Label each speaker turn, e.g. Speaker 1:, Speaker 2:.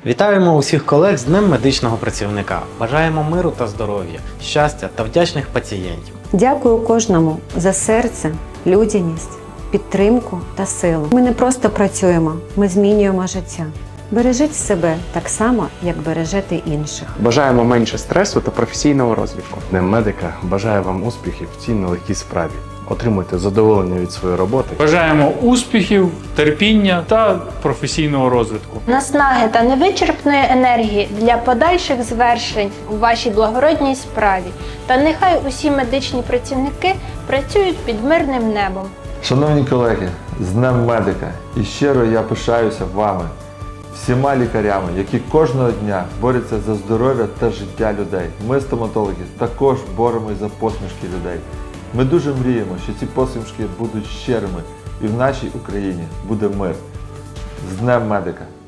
Speaker 1: Вітаємо усіх колег з Днем медичного працівника. Бажаємо миру та здоров'я, щастя та вдячних пацієнтів.
Speaker 2: Дякую кожному за серце, людяність, підтримку та силу. Ми не просто працюємо, ми змінюємо життя. Бережіть себе так само, як бережете інших.
Speaker 3: Бажаємо менше стресу та професійного розвитку.
Speaker 4: Днем медика бажаю вам успіхів в цій нелегкій справі. Отримуйте задоволення від своєї роботи.
Speaker 5: Бажаємо успіхів, терпіння та професійного розвитку.
Speaker 6: Наснаги та невичерпної енергії для подальших звершень у вашій благородній справі. Та нехай усі медичні працівники працюють під мирним небом.
Speaker 7: Шановні колеги, з Днем медика! І щиро я пишаюся вами, всіма лікарями, які кожного дня борються за здоров'я та життя людей. Ми, стоматологи, також боремось за посмішки людей. Ми дуже мріємо, що ці посмішки будуть щирими і в нашій Україні буде мир. З Днем медика!